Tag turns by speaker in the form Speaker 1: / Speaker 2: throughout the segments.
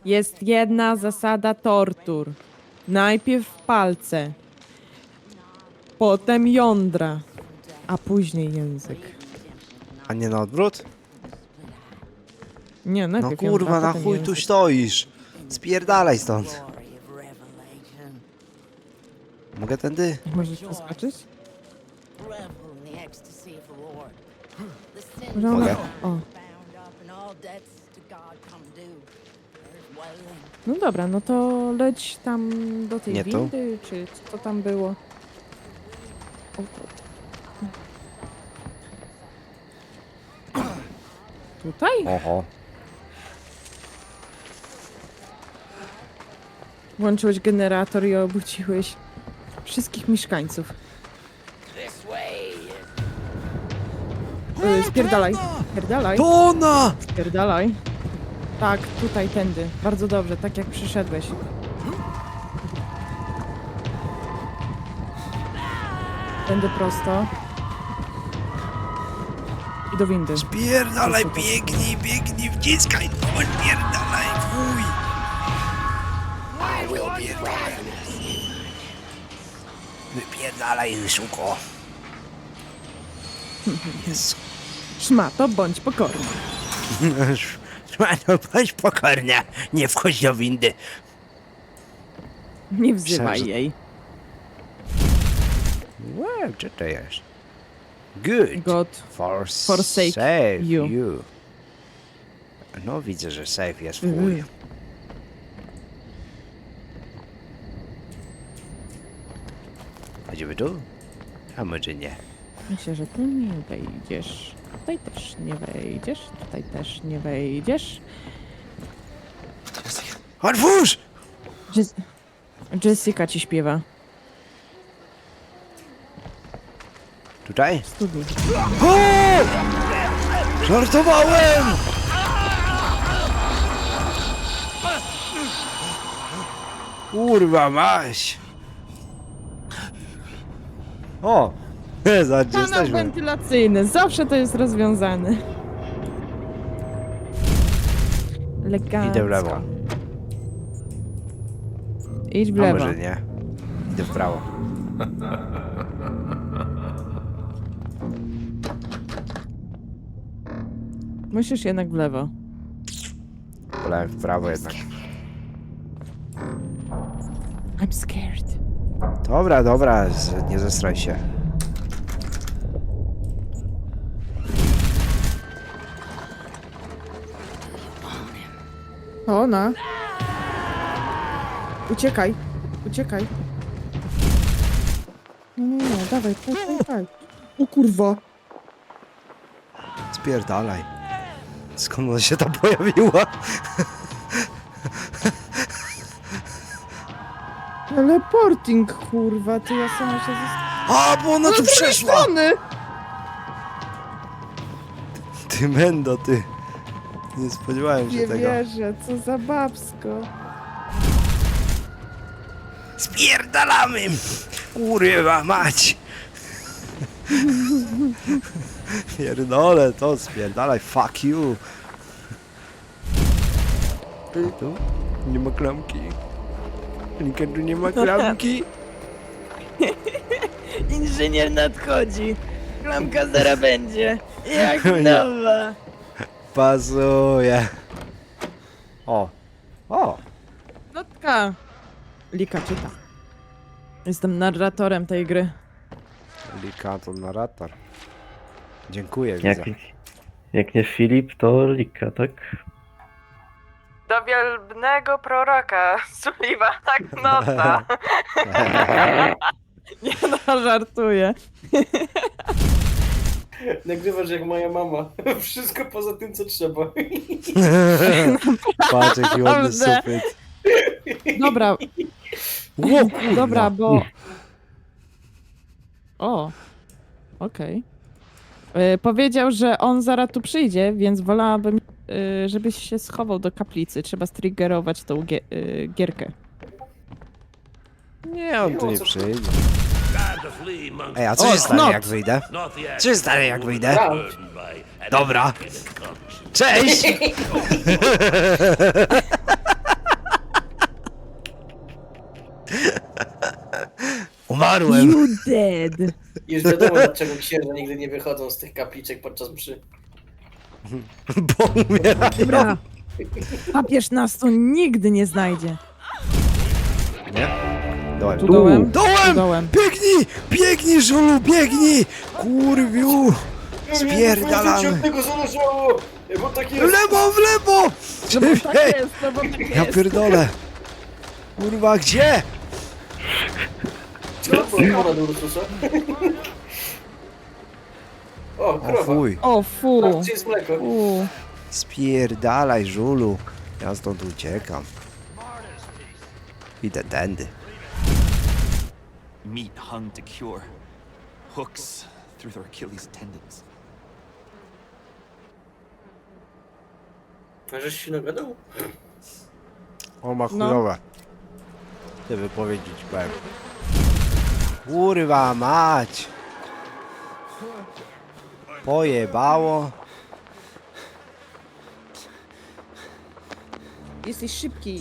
Speaker 1: Jest jedna zasada tortur. Najpierw palce, potem jądra, a później język.
Speaker 2: A nie na odwrót?
Speaker 1: Nie,
Speaker 2: No
Speaker 1: najpierw
Speaker 2: kurwa,
Speaker 1: jądra,
Speaker 2: na
Speaker 1: potem
Speaker 2: chuj tu
Speaker 1: język.
Speaker 2: stoisz? Spierdalaj stąd. Mogę tędy?
Speaker 1: Możesz przeskoczyć?
Speaker 2: Mogę?
Speaker 1: O. No dobra, no to leć tam do tej
Speaker 2: Nie tu?
Speaker 1: windy, czy co tam było? O, tutaj?
Speaker 2: Oho.
Speaker 1: Włączyłeś generator i obudziłeś wszystkich mieszkańców. Spierdalaj, spierdalaj,
Speaker 2: To ona!
Speaker 1: spierdalaj. Tak, tutaj, tędy. Bardzo dobrze, tak jak przyszedłeś. Tędy prosto. I do windy.
Speaker 2: Spierdalaj, biegnij, biegnij, wciskaj, no spierdalaj, chuj! Wypierdalaj, szuko. Jezu.
Speaker 1: Szmato, bądź pokorny.
Speaker 2: Szmano, bądź pokorna, nie wchodź do windy.
Speaker 1: Nie wzywaj
Speaker 2: Myślałem, że-
Speaker 1: jej.
Speaker 2: Wow, co to jest? Good.
Speaker 1: God forsake you.
Speaker 2: No widzę, że safe jest w
Speaker 1: Mhm.
Speaker 2: chuj. Chodzimy tu? A może nie?
Speaker 1: Myślę, że tu nie wejdziesz. Tutaj też nie wejdziesz. Tutaj też nie wejdziesz.
Speaker 2: Otwórz!
Speaker 1: Jessica ci śpiewa.
Speaker 2: Tutaj?
Speaker 1: Studni.
Speaker 2: O! Żartowałem! Kurwa maś! O! Zobacz, gdzie
Speaker 1: Kanał
Speaker 2: jesteśmy.
Speaker 1: wentylacyjny. Zawsze to jest rozwiązane. Elegancko.
Speaker 2: Idę w lewo.
Speaker 1: Idź w
Speaker 2: A
Speaker 1: lewo.
Speaker 2: może nie? Idę w prawo.
Speaker 1: Musisz jednak w lewo.
Speaker 2: Wolałem w prawo jednak.
Speaker 1: I'm scared.
Speaker 2: Dobra, dobra, nie zestraj się.
Speaker 1: To ona. Uciekaj. Uciekaj. Nie, dawaj, dawaj. O kurwa.
Speaker 2: Spierdalaj. Skąd ona się tam pojawiła?
Speaker 1: Teleporting, kurwa, ty ja sama się
Speaker 2: A, bo ona tu przeszła!
Speaker 1: strony.
Speaker 2: Ty mendo, ty. Nie spodziewałem się
Speaker 1: Nie
Speaker 2: tego.
Speaker 1: wierzę, co za babsko.
Speaker 2: Spierdalamy! Kurwa mać! Pierdolę to, spierdalaj, fuck you! Tu? Nie ma klamki. Nika, tu nie ma klamki.
Speaker 1: Inżynier nadchodzi. Klamka zara będzie. Jak
Speaker 2: Nie.
Speaker 1: nowa.
Speaker 2: Pasuje. O. O.
Speaker 1: Notka. Lika czyta. Jestem narratorem tej gry.
Speaker 2: Lika to narrator. Dziękuję,
Speaker 3: Jak,
Speaker 2: widzę.
Speaker 3: jak nie Filip, to Lika, tak?
Speaker 1: Do wielbnego proroka Sulliva tak nota. Nie no, żartuję.
Speaker 4: Nagrywasz jak moja mama. Wszystko poza tym, co trzeba.
Speaker 2: Patrz, jaki ładny
Speaker 1: Naprawdę.
Speaker 2: sufit.
Speaker 1: Dobra,
Speaker 2: Ło, kurwa.
Speaker 1: dobra, bo... O, okej. Powiedział, że on zaraz tu przyjdzie, więc wolałabym, żebyś się schował do kaplicy. Trzeba striggerować tą gierkę.
Speaker 2: Nie, on tu nie przyjdzie.
Speaker 5: Time to flee, monk.
Speaker 2: Ej, a co
Speaker 1: O,
Speaker 2: się stanie,
Speaker 1: snot.
Speaker 2: jak wyjdę?
Speaker 5: Not the act
Speaker 2: Co się stanie, jak wyjdę?
Speaker 5: burdened by an.
Speaker 2: 哎 Dobra. Cześć! Umarłem!
Speaker 1: You dead.
Speaker 4: Już wiadomo, dlaczego księża nigdy nie wychodzą z tych kapliczek podczas mszy.
Speaker 2: Bo umiera.
Speaker 1: Dobra. Papież nas tu nigdy nie znajdzie.
Speaker 2: Nie? Dołem.
Speaker 1: Tu dołem? Tu
Speaker 2: Dołem!
Speaker 1: dołem.
Speaker 2: Biegnij! Biegnij, żulu, biegnij! Kurwiu! Spierdalamy.
Speaker 4: Nie, od tego zależało! Bo tak
Speaker 2: W
Speaker 4: jest!
Speaker 2: lewo, w lewo!
Speaker 1: No bo tak
Speaker 2: Ej,
Speaker 1: jest, no bo tak
Speaker 2: ja
Speaker 1: jest.
Speaker 2: pierdolę. Kurwa, gdzie?
Speaker 4: Co? Woda do Ursusa? O,
Speaker 2: O
Speaker 4: krowa.
Speaker 2: fuj.
Speaker 1: O fu.
Speaker 4: Gdzie jest mleko?
Speaker 1: Fu.
Speaker 2: Spierdalaj, żulu. Ja stąd uciekam. Idę tędy.
Speaker 6: Meat hung to cure. Hooks through their Achilles tendons.
Speaker 4: A żeś się nagadał?
Speaker 2: O, ma
Speaker 1: No.
Speaker 2: chujowe. Te wypowiedzi ci powiem. Kurwa mać! Pojebało.
Speaker 1: Jesteś szybki.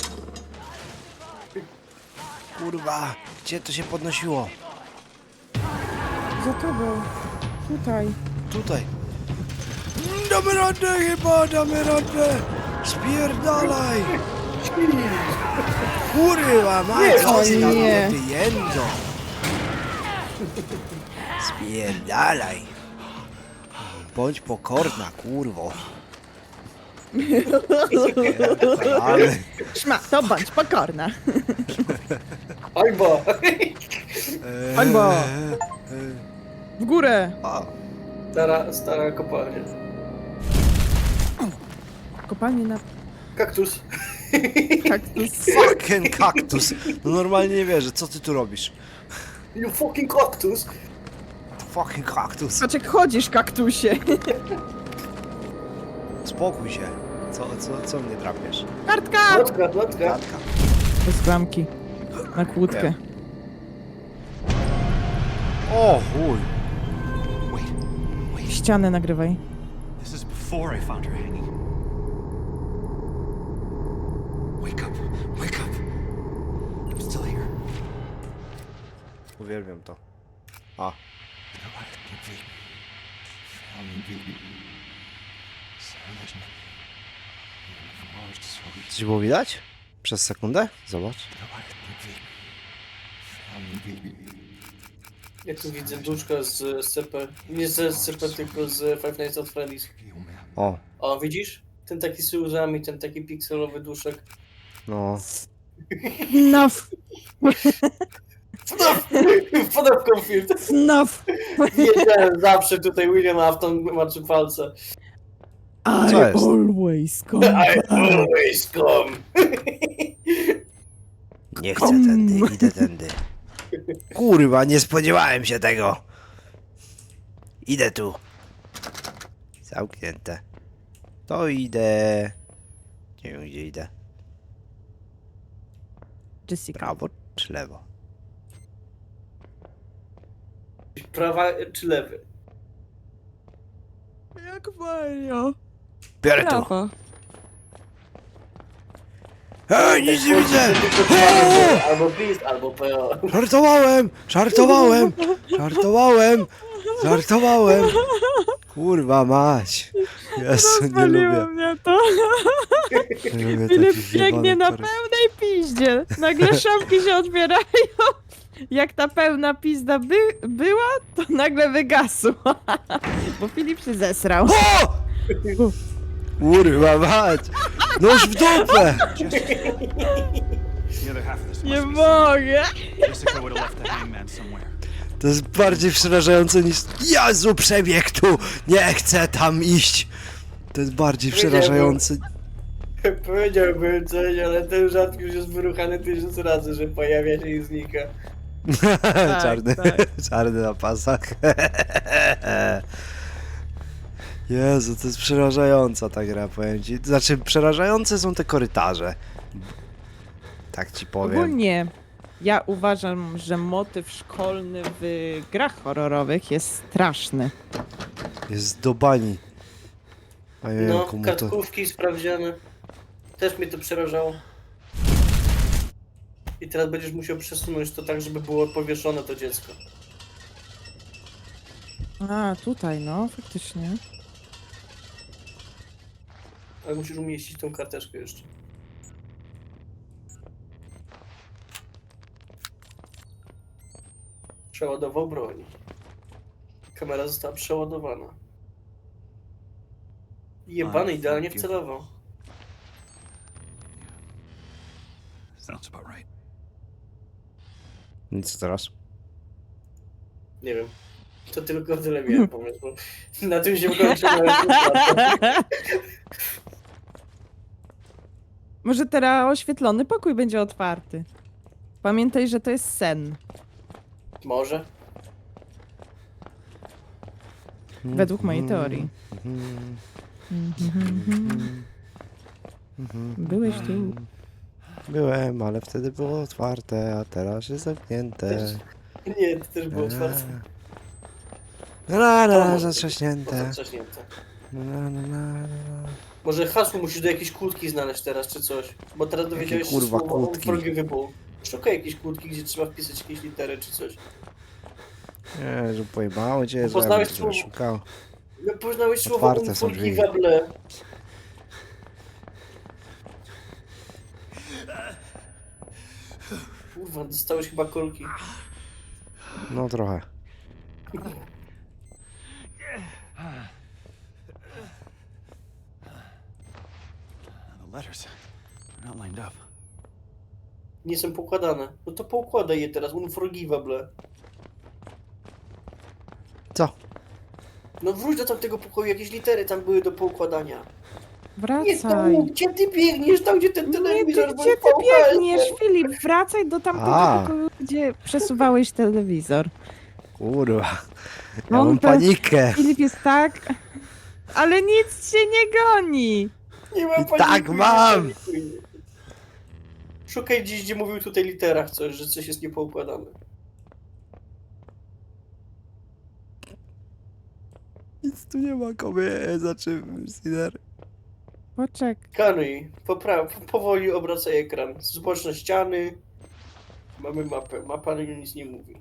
Speaker 2: Kurwa, gdzie to się podnosiło?
Speaker 1: Za tobą. Tutaj.
Speaker 2: Tutaj. Damy radę chyba, damy radę. Spierdalaj. Kurwa mać,
Speaker 1: o
Speaker 2: ty tam
Speaker 1: nie.
Speaker 2: wyjędzo. Spierdalaj. Bądź pokorna, kurwo. Ale...
Speaker 1: Szmato, bądź pokorna.
Speaker 4: Albo!
Speaker 1: Albo. W górę.
Speaker 2: O,
Speaker 4: Stara kopalnia.
Speaker 1: Kopalnie na
Speaker 4: Kaktus.
Speaker 1: kaktus.
Speaker 2: fucking kaktus. No normalnie nie wierzę, co ty tu robisz?
Speaker 4: You fucking cactus!
Speaker 2: Fucking kaktus.
Speaker 1: Patrz jak chodzisz, kaktusie.
Speaker 2: Spokój się. Co mnie drapiesz?
Speaker 1: Kartka!
Speaker 4: Lotka.
Speaker 2: Kratka.
Speaker 1: Bez klamki. Na kłódkę.
Speaker 2: O chuj.
Speaker 6: Wait,
Speaker 1: Ścianę nagrywaj.
Speaker 6: this is before I found her hanging. Wake up, wake up. I'm still here.
Speaker 2: Uwielbiam to. A. Coś było widać? Przez sekundę? Zobacz.
Speaker 4: Ja tu widzę duszka z CP. Nie z CP, tylko z Five Nights at Freddy's.
Speaker 2: O,
Speaker 4: O, widzisz? Ten taki z łzami, ten taki pikselowy duszek.
Speaker 2: no.
Speaker 1: Enough.
Speaker 4: Wpadam w konflikt.
Speaker 1: Enough.
Speaker 4: Wiedziałem zawsze tutaj William Afton maczy palce.
Speaker 1: I
Speaker 2: Co jest?
Speaker 1: always come
Speaker 4: I
Speaker 1: back.
Speaker 4: always come.
Speaker 2: Nie chcę tędy, idę tędy. Kurwa, nie spodziewałem się tego. Idę tu. Zamknięte. To idę. Nie wiem gdzie idę.
Speaker 1: Jessica.
Speaker 2: Prawo czy lewo?
Speaker 4: Prawa czy lewy?
Speaker 1: Jak Mario.
Speaker 2: Biorę tu.
Speaker 1: Prawo.
Speaker 2: Ej, nic nie widzę!
Speaker 4: Albo PiS, albo PO.
Speaker 2: Żartowałem! Kurwa mać! Jezu, nie
Speaker 1: Rozwaliło
Speaker 2: lubię.
Speaker 1: mnie to.
Speaker 2: Nie lubię
Speaker 1: Filip
Speaker 2: takich
Speaker 1: biegnie
Speaker 2: jebanych
Speaker 1: na
Speaker 2: korek.
Speaker 1: pełnej piździe. Nagle szafki się otwierają. Jak ta pełna pizda była, to nagle wygasła. Bo Filip się zesrał.
Speaker 2: O! Kurwa mać! Nóż w dupę!
Speaker 6: The other half of this
Speaker 1: Nie
Speaker 6: must be
Speaker 1: mogę.
Speaker 6: Jessica would have left the hangman somewhere.
Speaker 2: To jest bardziej przerażające niż... Jezu, przebieg tu! Nie chcę tam iść! To jest bardziej przerażające.
Speaker 4: Powiedziałbym coś, ale ten żart już jest wyruchany 1000 razy, że pojawia się i znika.
Speaker 2: Czarny,
Speaker 1: tak.
Speaker 2: czarny na pasach. Jezu, to jest przerażająca ta gra, powiem ci. Znaczy, przerażające są te korytarze. Tak ci powiem.
Speaker 1: Ogólnie ja uważam, że motyw szkolny w grach horrorowych jest straszny.
Speaker 2: Jest do bani. A nie wiem,
Speaker 4: No,
Speaker 2: komu to...
Speaker 4: kartkówki sprawdziane. Też mnie to przerażało. I teraz będziesz musiał przesunąć to tak, żeby było powieszone to dziecko.
Speaker 1: A, tutaj, no, faktycznie.
Speaker 4: Ale musisz umieścić tą karteczkę jeszcze. Przeładował broń. Kamera została przeładowana. Jebany, idealnie wcelował.
Speaker 6: Sounds about right.
Speaker 2: I co teraz?
Speaker 4: Nie wiem. To tylko tyle miałem pomysłu. Na tym się kończyłem.
Speaker 1: Może teraz oświetlony pokój będzie otwarty. Pamiętaj, że to jest sen.
Speaker 4: Może.
Speaker 1: Według mojej teorii. Byłeś tu.
Speaker 2: Byłem, ale wtedy było otwarte, a teraz jest zamknięte.
Speaker 4: Nie, to też było otwarte.
Speaker 2: Zatrzaśnięte.
Speaker 4: Zatrzaśnięte.
Speaker 2: Na, na, na, na.
Speaker 4: Może hasło musisz do jakiejś kłódki znaleźć teraz, czy coś. Bo teraz dowiedziałeś się
Speaker 2: kurwa
Speaker 4: słowo
Speaker 2: kłódki?
Speaker 4: unforgivable. Szukaj jakiejś kłódki, gdzie trzeba wpisać jakieś litery, czy coś.
Speaker 2: Nie, że pojebało cię,
Speaker 4: Bo
Speaker 2: że
Speaker 4: poznałeś
Speaker 2: ja bym
Speaker 4: słowo-
Speaker 2: szukał.
Speaker 4: No poznałeś słowo
Speaker 2: Otwarte są drzwi.
Speaker 4: unforgivable. Kurwa, dostałeś chyba kolki.
Speaker 2: No trochę.
Speaker 6: The letters. They're not lined up.
Speaker 4: Nie są poukładane. No to poukładaj je teraz, unforgivable.
Speaker 2: Co?
Speaker 4: No wróć do tamtego pokoju, jakieś litery tam były do poukładania. Nie
Speaker 1: Wracaj.
Speaker 4: tam, gdzie ty biegniesz, tam gdzie ten
Speaker 1: Nie,
Speaker 4: telewizor
Speaker 1: ty,
Speaker 4: był
Speaker 1: gdzie ty
Speaker 4: VHS.
Speaker 1: biegniesz, Filip? Wracaj do tamtego
Speaker 2: A.
Speaker 1: pokoju, gdzie przesuwałeś telewizor.
Speaker 2: Kurwa. Ja
Speaker 1: On
Speaker 2: mam
Speaker 1: to-
Speaker 2: panikę.
Speaker 1: Filip jest tak... Ale nic cię nie goni.
Speaker 4: Nie mam
Speaker 2: I tak
Speaker 4: paniki,
Speaker 2: mam.
Speaker 4: nie panikuj. Szukaj gdzieś, gdzie mówił tutaj literach coś, że coś jest niepoukładane.
Speaker 2: Nic tu nie ma kobiet, znaczy Sider.
Speaker 1: Poczekaj.
Speaker 4: Kanuj, powoli obracaj ekran. Zobacz na ściany. Mamy mapę. Mapa nic nie mówi.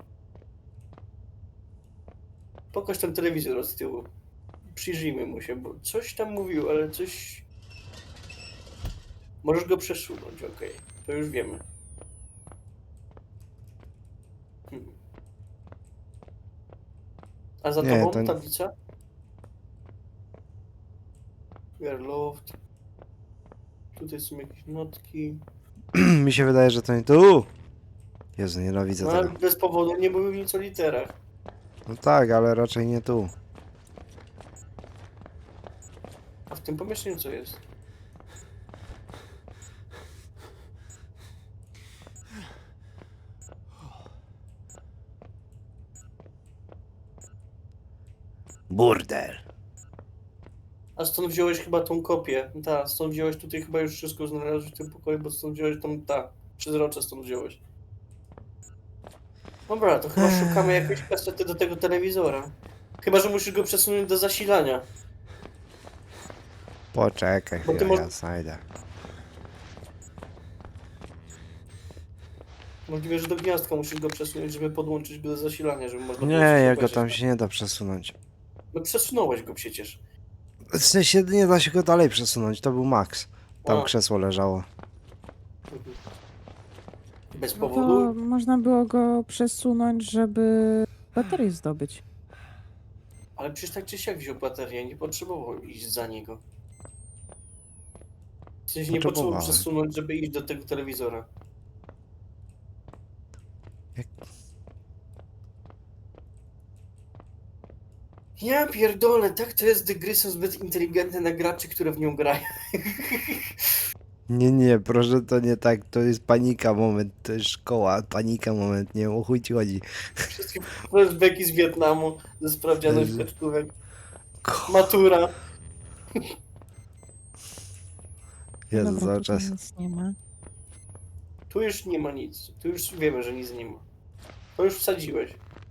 Speaker 4: Pokaż ten telewizor od tyłu. Przyjrzyjmy mu się, bo coś tam mówił, ale coś... Możesz go przesunąć, okej. To już wiemy. Hmm. A za
Speaker 2: Nie,
Speaker 4: tobą
Speaker 2: to-
Speaker 4: tablica? We are loved. Tutaj są jakieś notki.
Speaker 2: Mi się wydaje, że to nie tu. Jezu, nienawidzę
Speaker 4: No ale
Speaker 2: tego.
Speaker 4: bez powodu nie mówił nic o literach.
Speaker 2: No tak, ale raczej nie tu.
Speaker 4: A w tym pomieszczeniu co jest?
Speaker 2: Burdel.
Speaker 4: A stąd wziąłeś chyba tą kopię. Tak, stąd wziąłeś tutaj chyba już wszystko znalazłeś w tym pokoju, bo stąd wziąłeś tą, przezrocze stąd wziąłeś. Dobra, to chyba szukamy jakiejś kasety do tego telewizora. Chyba, że musisz go przesunąć do zasilania.
Speaker 2: Poczekaj
Speaker 4: Bo ty
Speaker 2: chwilę,
Speaker 4: mo-
Speaker 2: ja znajdę.
Speaker 4: Możliwe, że do gniazdka musisz go przesunąć, żeby podłączyć go do zasilania, żeby można
Speaker 2: Nie,
Speaker 4: było coś
Speaker 2: jego
Speaker 4: obejrzeć.
Speaker 2: tam się nie da przesunąć.
Speaker 4: No przesunąłeś go przecież.
Speaker 2: W sensie nie da się go dalej przesunąć, to był max. Tam
Speaker 4: A.
Speaker 2: krzesło leżało.
Speaker 4: Bez
Speaker 1: No
Speaker 4: powodu?
Speaker 1: to można było go przesunąć, żeby baterię zdobyć.
Speaker 4: Ale przecież tak czy siak wziął baterię, nie potrzebował iść za niego. W sensie nie potrzebował
Speaker 2: Potrzebowałem.
Speaker 4: przesunąć, żeby iść do tego telewizora.
Speaker 2: Jak-
Speaker 4: Ja pierdolę, tak to jest, gdy gry są zbyt inteligentne na graczy, które w nią grają.
Speaker 2: Nie, proszę, to nie tak, to jest panika moment, to jest szkoła, panika moment, nie wiem o chuj ci chodzi.
Speaker 4: Wszystkie flashbacki z Wietnamu, ze sprawdzianych
Speaker 2: Jezu.
Speaker 4: kaczkówek. Matura.
Speaker 2: Jezu,
Speaker 1: Dobra,
Speaker 2: cały
Speaker 1: tutaj
Speaker 2: czas.
Speaker 1: nic nie ma.
Speaker 4: Tu już nie ma nic. Tu już wiemy, że nic nie ma. To już wsadziłeś.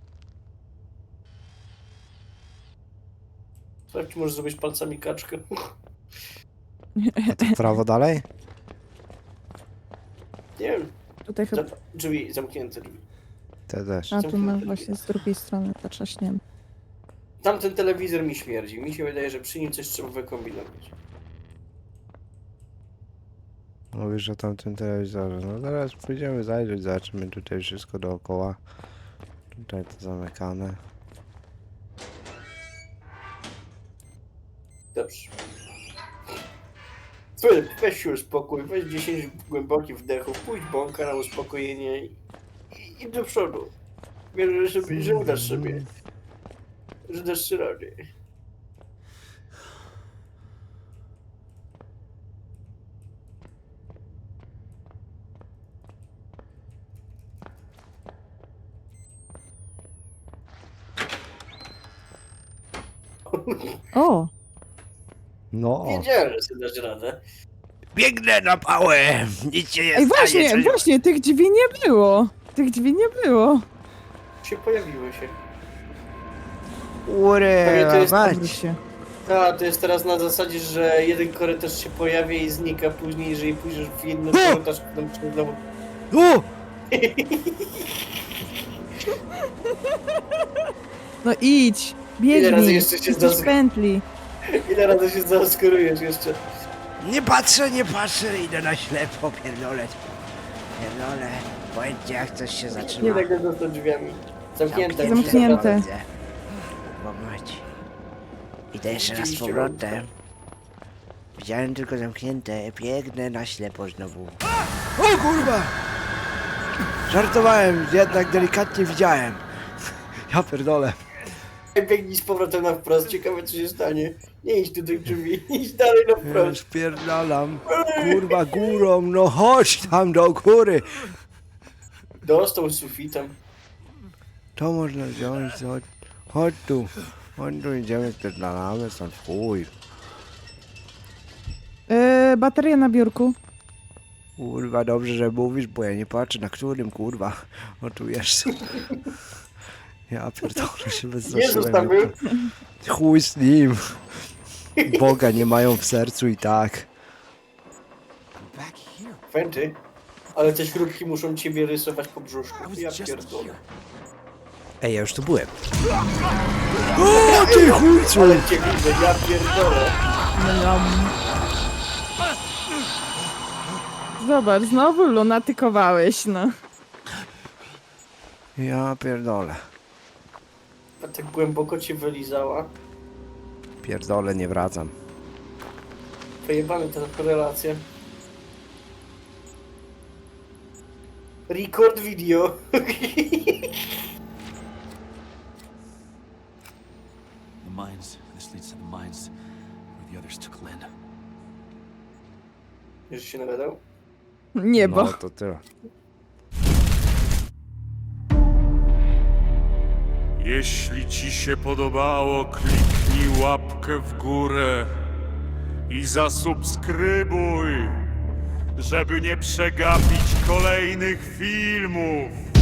Speaker 4: Sprawdź, czy możesz zrobić palcami kaczkę.
Speaker 2: A to w prawo dalej?
Speaker 4: Nie wiem.
Speaker 1: Tutaj chyba...
Speaker 4: Drzwi, zamknięte drzwi.
Speaker 2: Te też.
Speaker 1: A tu masz właśnie z drugiej strony zatrzaśnięte.
Speaker 4: Tamten telewizor mi śmierdzi. Mi się wydaje, że przy nim coś trzeba wykombinować.
Speaker 2: Mówisz o tamtym telewizorze. No zaraz pójdziemy zajrzeć, zobaczymy tutaj wszystko dookoła. Tutaj to zamykane.
Speaker 4: Dobrze. Weź się uspokój, weź 10 głębokich wdechów, pójdź bąka na uspokojenie i do przodu. Wierzę, że udasz sobie. Że dasz sobie radę.
Speaker 1: O!
Speaker 2: No!
Speaker 4: Wiedziałem, że sobie dasz radę.
Speaker 2: Biegnę na pałę! Nic się nie
Speaker 1: Ej,
Speaker 2: stanie!
Speaker 1: właśnie, tych drzwi nie było! Tych drzwi nie było!
Speaker 4: Się pojawiły się.
Speaker 2: Urę,
Speaker 4: To jest-
Speaker 1: Dobry się.
Speaker 4: A, to jest teraz na zasadzie, że jeden korytarz się pojawia i znika później, jeżeli pójdziesz w jednym korytarz, to tam się znowu...
Speaker 2: O!
Speaker 1: No idź!
Speaker 4: Ile razy
Speaker 1: Biegnij!
Speaker 4: jeszcze się
Speaker 1: Jesteś
Speaker 4: zdas-
Speaker 1: w pętli!
Speaker 4: Ile razy się zaoskorujesz jeszcze?
Speaker 2: Nie patrzę, idę na ślepo, pierdolę. Pierdolę, powiedzcie jak coś się
Speaker 4: Nie
Speaker 2: zaczyna.
Speaker 4: tak za drzwiami. Zamknięte.
Speaker 1: Zamknięte.
Speaker 2: Pomać. Idę jeszcze raz z powrotem. Widziałem tylko zamknięte, biegnę na ślepo znowu. O kurwa! Żartowałem, jednak delikatnie widziałem. Ja pierdolę.
Speaker 4: Biegnij z powrotem na wprost, ciekawe co się stanie. Nie idź do tych drzwi, idź dalej na
Speaker 2: Już
Speaker 4: wprost.
Speaker 2: spierdalam. Kurwa górą, no chodź tam do góry.
Speaker 4: Dostał z sufitem.
Speaker 2: To można wziąć, chodź tu. Chodź tu, idziemy, spierdalamy stąd, chuj.
Speaker 1: Bateria na biurku.
Speaker 2: Kurwa, dobrze, że mówisz, bo ja nie patrzę na którym, kurwa. O tu jeszcze. Ja pierdolę się
Speaker 4: Jezus tam był.
Speaker 2: Chuj z nim. Boga nie mają w sercu i tak.
Speaker 6: I'm back here.
Speaker 4: Fenty. Ale te śrubki muszą ciebie rysować po brzuszku.
Speaker 6: I was
Speaker 4: Ja
Speaker 6: just
Speaker 4: pierdolę.
Speaker 6: here.
Speaker 2: Ej, ja już tu byłem. O ty chujcu!
Speaker 4: Ale cię widzę, ja pierdolę.
Speaker 1: Zobacz, znowu lunatykowałeś, no.
Speaker 2: Ja pierdolę.
Speaker 4: A tak głęboko cię wylizała.
Speaker 2: Pierdolę, nie wracam.
Speaker 4: Przejebane ta korelacja. Record video.
Speaker 6: The mines. This leads to the mines where the others took Lynn.
Speaker 4: Już się nagadał?
Speaker 1: Niebo.
Speaker 2: No to tyle.
Speaker 7: Jeśli ci się podobało, kliknij łapkę w górę i zasubskrybuj, żeby nie przegapić kolejnych filmów.